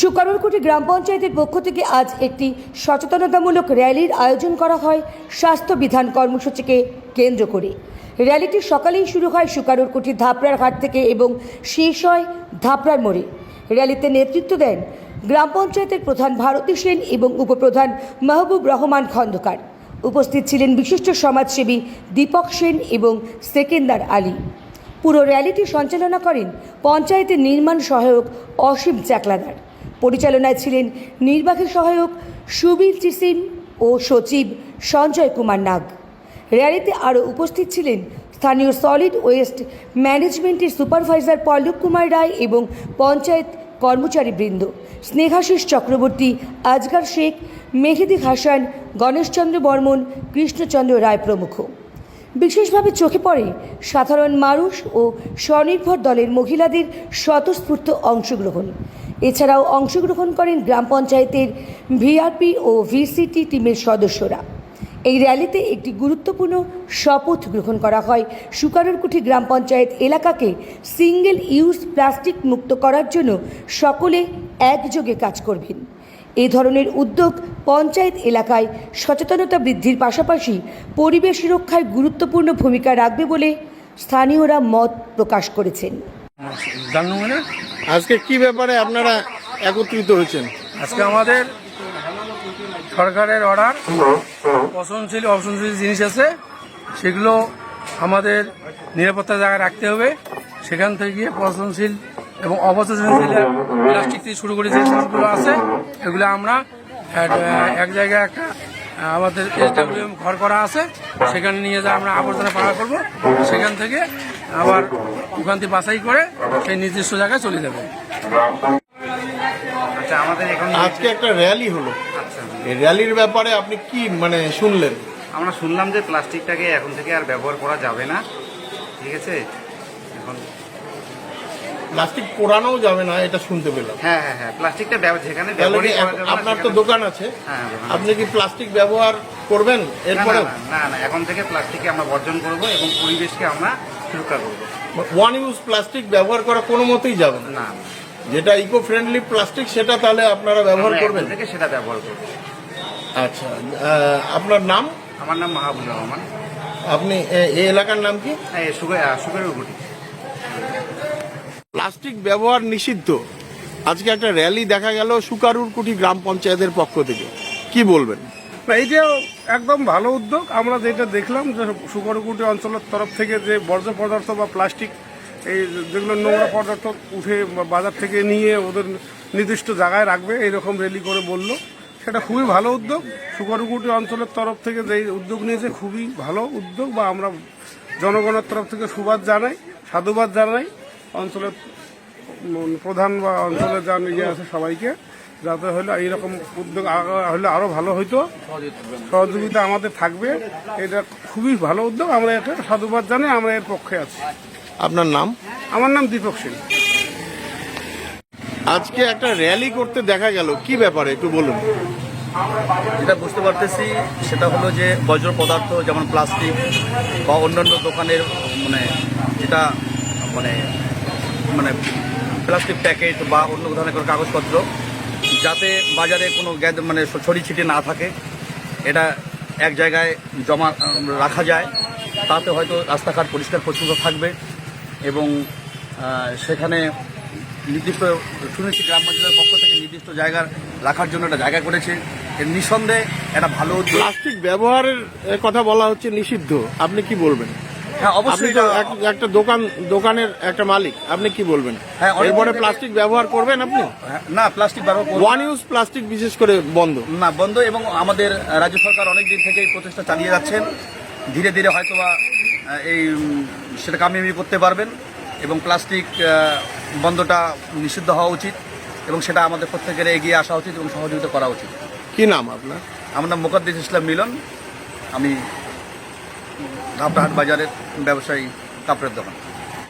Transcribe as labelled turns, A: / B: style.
A: সুকারুরকুটি গ্রাম পঞ্চায়েতের পক্ষ থেকে আজ একটি সচেতনতামূলক র্যালির আয়োজন করা হয় স্বাস্থ্যবিধান কর্মসূচিকে কেন্দ্র করে। র্যালিটি সকালেই শুরু হয় সুকারুরকুটি ধাপড়ার ঘাট থেকে এবং শেষ হয় ধাপড়ার মোড়ে। র্যালিতে নেতৃত্ব দেন গ্রাম পঞ্চায়েতের প্রধান ভারতী সেন এবং উপপ্রধান মাহবুব রহমান খন্দকার। উপস্থিত ছিলেন বিশিষ্ট সমাজসেবী দীপক সেন এবং সেকেন্দার আলী। পুরো র্যালিটি সঞ্চালনা করেন পঞ্চায়েতের নির্মাণ সহায়ক অসীম চাকলাদার। পরিচালনায় ছিলেন নির্বাহী সহায়ক সুবীর চিসিম ও সচিব সঞ্জয় কুমার নাগ। র্যালিতে আরও উপস্থিত ছিলেন স্থানীয় সলিড ওয়েস্ট ম্যানেজমেন্টের সুপারভাইজার পল্লব কুমার রায় এবং পঞ্চায়েত কর্মচারীবৃন্দ স্নেহাশিস চক্রবর্তী, আজগার শেখ, মেহেদি হাসান, গণেশচন্দ্র বর্মন, কৃষ্ণচন্দ্র রায় প্রমুখ। বিশেষভাবে চোখে পড়ে সাধারণ মানুষ ও স্বনির্ভর দলের মহিলাদের স্বতঃস্ফূর্ত অংশগ্রহণ। এছাড়াও অংশগ্রহণ করেন গ্রাম পঞ্চায়েতের ভিআরপি ও ভিসিটি টিমের সদস্যরা। এই র্যালিতে একটি গুরুত্বপূর্ণ শপথ গ্রহণ করা হয়। সুকারুরকুটি গ্রাম পঞ্চায়েত এলাকাকে সিঙ্গেল ইউজ প্লাস্টিক মুক্ত করার জন্য সকলে একযোগে কাজ করবেন। এই ধরনের উদ্যোগ পঞ্চায়েত এলাকায় সচেতনতা বৃদ্ধির পাশাপাশি পরিবেশ রক্ষায় গুরুত্বপূর্ণ ভূমিকা রাখবে বলে স্থানীয়রা মত প্রকাশ করেছেন।
B: আজকে কি ব্যাপারে আপনারা একত্রিত হয়েছেন?
C: আজকে আমাদের সরকারের অর্ডার পচনশীল অপচনশীল জিনিস আছে, সেগুলো আমাদের নিরাপত্তা জায়গায় রাখতে হবে। সেখান থেকে গিয়ে পচনশীল এবং অপচনশীল প্লাস্টিক থেকে শুরু করে যে জিনিসগুলো আছে এগুলো আমরা এক জায়গায় একটা আমাদের SWM ঘর করা আছে, সেখানে নিয়ে যা আমরা আবর্জনা পাড়া করবো। সেখান থেকে আবার ওখান থেকে বাছাই করে সেই নির্দিষ্ট জায়গায় চলে যাবে।
D: আচ্ছা, আমাদের এখন
B: আজকে একটা র্যালি হলো, এই র্যালির ব্যাপারে আপনি কি শুনলেন?
D: আমরা শুনলাম যে প্লাস্টিকটাকে এখন থেকে আর ব্যবহার করা যাবে না, ঠিক আছে? এখন
B: প্লাস্টিক পোড়ানো যাবে না, এটা শুনতে পেলাম।
D: হ্যাঁ হ্যাঁ হ্যাঁ, প্লাস্টিকটা যেখানে
B: তাহলে কি
D: ব্যবহারই করা যাবে না
B: আপনার তো
D: সেখানে-
B: দোকান আছে,
D: হ্যাঁ, দোকান
B: আপনি কি প্লাস্টিক ব্যবহার করবেন
D: না,
B: এরপরে?
D: না, না, না, এখন থেকে প্লাস্টিককে আমরা বর্জন করব এবং পরিবেশকে আমরা সুরক্ষা করব।
B: ওয়ান ইউজ প্লাস্টিক ব্যবহার করা কোনো মতেই যাবে না।
D: না,
B: যেটা ইকো ফ্রেন্ডলি প্লাস্টিক সেটা তাহলে আপনারা ব্যবহার
D: আমরা
B: করবেন।
D: এখন থেকে সেটা ব্যবহার করব।
B: আচ্ছা, আপনার নাম?
D: আমার নাম মাহবুব রহমান।
B: আপনি এই এলাকার নাম কি?
D: হ্যাঁ, সুকারুরকুটি।
B: প্লাস্টিক ব্যবহার নিষিদ্ধ, আজকে একটা র্যালি দেখা গেল সুকারুরকুটি গ্রাম পঞ্চায়েতের পক্ষ থেকে, কি বলবেন?
C: এইটা একদম ভালো উদ্যোগ। আমরা যেটা দেখলাম যে সুকারুরকুটি অঞ্চলের তরফ থেকে যে বর্জ্য পদার্থ বা প্লাস্টিক এই যেগুলো নোংরা পদার্থ উঠে বাজার থেকে নিয়ে ওদের নির্দিষ্ট জায়গায় রাখবে, এইরকম র্যালি করে বলল, সেটা খুবই ভালো উদ্যোগ। সুকারুরকুটি অঞ্চলের তরফ থেকে যে উদ্যোগ নিয়েছে খুবই ভালো উদ্যোগ, বা আমরা জনগণের তরফ থেকে সাধুবাদ জানাই অঞ্চলের প্রধান বা অঞ্চলের যা নিজে আছে সবাইকে, যাতে হলে এইরকম উদ্যোগ হলে আরও ভালো হইতো, সহযোগিতা আমাদের থাকবে। এটা খুবই ভালো উদ্যোগ, আমরা এটা সাধুবাদ জানাই, আমরা এর পক্ষে আছি।
B: আপনার নাম?
C: আমার নাম দীপক সেন।
B: আজকে একটা র্যালি করতে দেখা গেল, কি ব্যাপারে একটু বলুন।
E: যেটা বুঝতে পারতেছি সেটা হলো যে বর্জ্য পদার্থ যেমন প্লাস্টিক বা অন্যান্য দোকানের যেটা প্লাস্টিক প্যাকেট বা অন্য ধরনের কোনো কাগজপত্র যাতে বাজারে কোনো ছড়িয়ে ছিটিয়ে না থাকে, এটা এক জায়গায় জমা রাখা যায়, তাতে হয়তো রাস্তাঘাট পরিষ্কার পরিচ্ছন্ন থাকবে। এবং সেখানে নির্দিষ্ট শুনেছি গ্রাম পঞ্চায়েতের পক্ষ থেকে নির্দিষ্ট জায়গার রাখার জন্য একটা জায়গা করেছে। এর নিঃসন্দেহে একটা ভালো উদ্যোগ।
B: প্লাস্টিক ব্যবহারের কথা বলা হচ্ছে নিষিদ্ধ, আপনি কি বলবেন?
E: হ্যাঁ,
B: আপনি
E: অবশ্যই
B: তো একটা দোকানের একটা মালিক, আপনি কি বলবেন?
E: হ্যাঁ,
B: এরপরে প্লাস্টিক ব্যবহার করবেন আপনি?
E: না, প্লাস্টিক ব্যবহার করব
B: ওয়ান ইউজ প্লাস্টিক বিশেষ করে বন্ধ
E: না, বন্ধ। এবং আমাদের রাজ্য সরকার অনেক দিন থেকে এই প্রচেষ্টা চালিয়ে যাচ্ছেন, ধীরে ধীরে হয়তোবা সেটা কামিয়াবি করতে পারবেন। এবং প্লাস্টিক বন্ধটা নিষিদ্ধ হওয়া উচিত এবং সেটা আমাদের প্রত্যেকের এগিয়ে আসা উচিত এবং সহযোগিতা করা উচিত।
B: কি নাম আপনার?
E: আমার নাম মোকাদ্দেস ইসলাম মিলন, আমি ধাপড়াহাট বাজারের ব্যবসায়ী কাপড়ের দোকান।